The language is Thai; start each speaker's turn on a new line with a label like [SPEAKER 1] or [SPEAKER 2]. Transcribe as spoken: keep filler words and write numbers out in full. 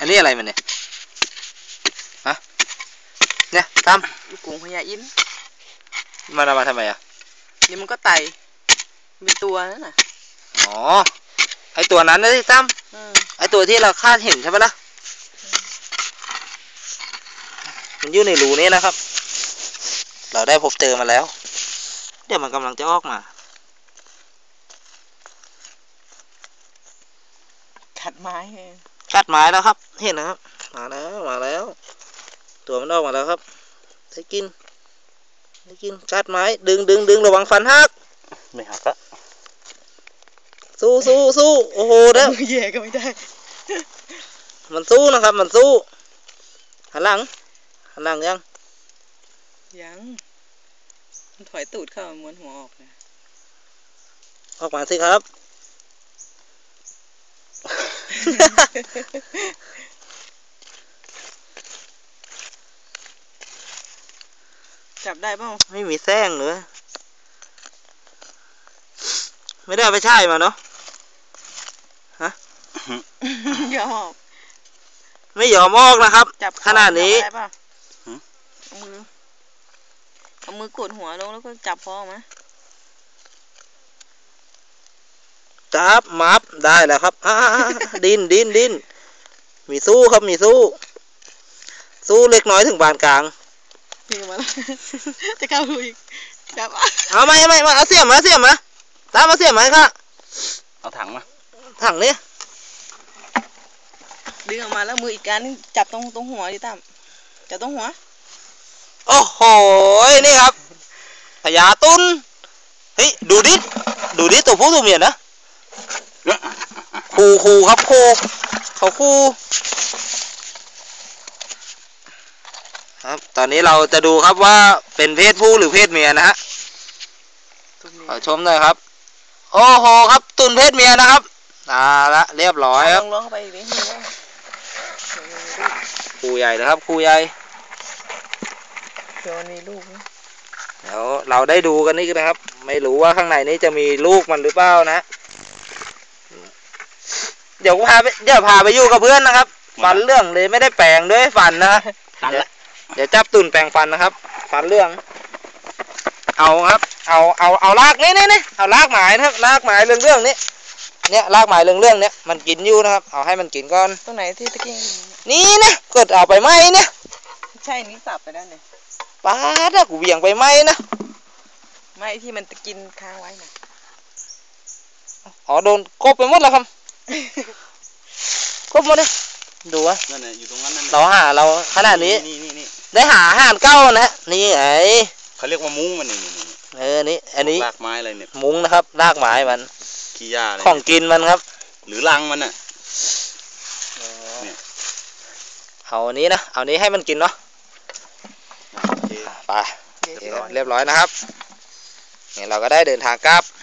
[SPEAKER 1] อันนี้อะไรมันเนี่ยฮะเนี่ยตาม
[SPEAKER 2] ลูกกุ้งพญาอิน
[SPEAKER 1] มันเอามาทำไมอ่ะ
[SPEAKER 2] นี่มันก็ไตเป็นตัวนั่นน่ะ
[SPEAKER 1] อ๋อไอตัวนั้นนะที่ตั้มไอตัวที่เราคาดเห็นใช่ไหมล่ะมันอยู่ในรูนี้นะครับเราได้พบเจอมาแล้วเดี๋ยวมันกำลังจะออกมา
[SPEAKER 2] กัดไม้
[SPEAKER 1] กัดไม้แล้วครับเห็นนะครับมาแล้วมาแล้วตัวมันออกมาแล้วครับได้กินได้กินกัดไม้ดึงดึงดึงระวังฟันหัก
[SPEAKER 3] ไม่หักละ
[SPEAKER 1] สู้สู้สู้โอ้โหเด้อ
[SPEAKER 2] แย่ก็ไม่ได้
[SPEAKER 1] มันสู้นะครับมันสู้หันหลังหันหลังยัง
[SPEAKER 2] ยังมันถอยตูดเข้าม้วนหัวออกนะ
[SPEAKER 1] ออกมาสิครับ
[SPEAKER 2] จับได้เปล่า
[SPEAKER 1] ไม่มีแส้งเลยไม่ได้ไปใช่มาเนาะฮะ
[SPEAKER 2] ยอม
[SPEAKER 1] ไม่ยอมออกนะครับขนาดนี้
[SPEAKER 2] เอามือเอามือกดหัวลงแล้วก็จับพอมา
[SPEAKER 1] จับมับได้แล้วครับดินดินดินมีสู้ครับมีสู้สู้เล็กน้อยถึงบานกลาง
[SPEAKER 2] นี่มาแล้วจะเข้าดูอีกจับ
[SPEAKER 1] เอาไม่ไม่มาเอาเสียมมาเสียมมาตามมาเสียมมาค่ะ
[SPEAKER 3] เอาถังมา
[SPEAKER 1] ถังนี้
[SPEAKER 2] ดึงออกมาแล้วมืออีกการนึงจับตรงตรงหัวดิตั้มจับตรงหัว
[SPEAKER 1] โอ้โหนี่ครับพญาตุนเฮ้ยดูดิดูดิตัวผู้ตัวเมียนะคู่คู่ครับคู่เขาคู่ครับตอนนี้เราจะดูครับว่าเป็นเพศผู้หรือเพศเมียนะฮะขอชมหน่อยครับโอ้โหครับตุนเพศเมียนะครับอ่าละเรียบร้อยครับ
[SPEAKER 2] ลองเข้าไปอีกนิดนึง
[SPEAKER 1] คู่ใหญ่นะครับคู่ใหญ่
[SPEAKER 2] เดี๋ยวมีลูก
[SPEAKER 1] เดี๋ยวเราได้ดูกันนี่นะครับไม่รู้ว่าข้างในนี้จะมีลูกมันหรือเปล่านะเดี๋ยวพาไปเดี๋ยวพาไปอยู่กับเพื่อนนะครับฟันเรื่องเลยไม่ได้แปลงด้วยฟันนะเดี๋ยวเดี๋ยวจับตุ่นแปลงฟันนะครับฟันเรื่องเอาครับเอาเอาเอาลากนี่นี่นี่เอาลากหมายนะครับลากหมายเรื่องเรื่องนี้เนี่ยลากหมายเรื่องเรื่องเนี้ยมันกินอยู่นะครับเอาให้มันกินก่อน
[SPEAKER 2] ตรงไหนที่ตะกี้
[SPEAKER 1] นี่นะเกิดเอาไปไหมเนี่ย
[SPEAKER 2] ใช่นี่สับไปแล้วเนี่ย
[SPEAKER 1] ป้าถ้ากูเบี่ยงไปไหมนะ
[SPEAKER 2] ไม่ที่มันตะกินค้างไว้นะ
[SPEAKER 1] อ๋อโดนกบไปหมดแล้วครับกบหมดเลยดูวะ
[SPEAKER 3] นั่นแหละอยู่ตรงนั้นนั่น
[SPEAKER 1] เราหาเราขนาดนี้ได้หาอาหารเก้านะนี่ไง
[SPEAKER 3] เขาเรียกว่ามุ้งมันนี่
[SPEAKER 1] เออนี่อันนี้
[SPEAKER 3] รากไม้อะไรเนี่ย
[SPEAKER 1] มุ้งนะครับรากไม้มัน
[SPEAKER 3] ขี้หญ้าอะไร
[SPEAKER 1] ของกินมันครับ
[SPEAKER 3] หรือรังมันน่ะ
[SPEAKER 1] เอาอันนี้นะเอานี้ให้มันกินเนาะไปเรียบร้อยนะครับเนี่ยเราก็ได้เดินทางกลับ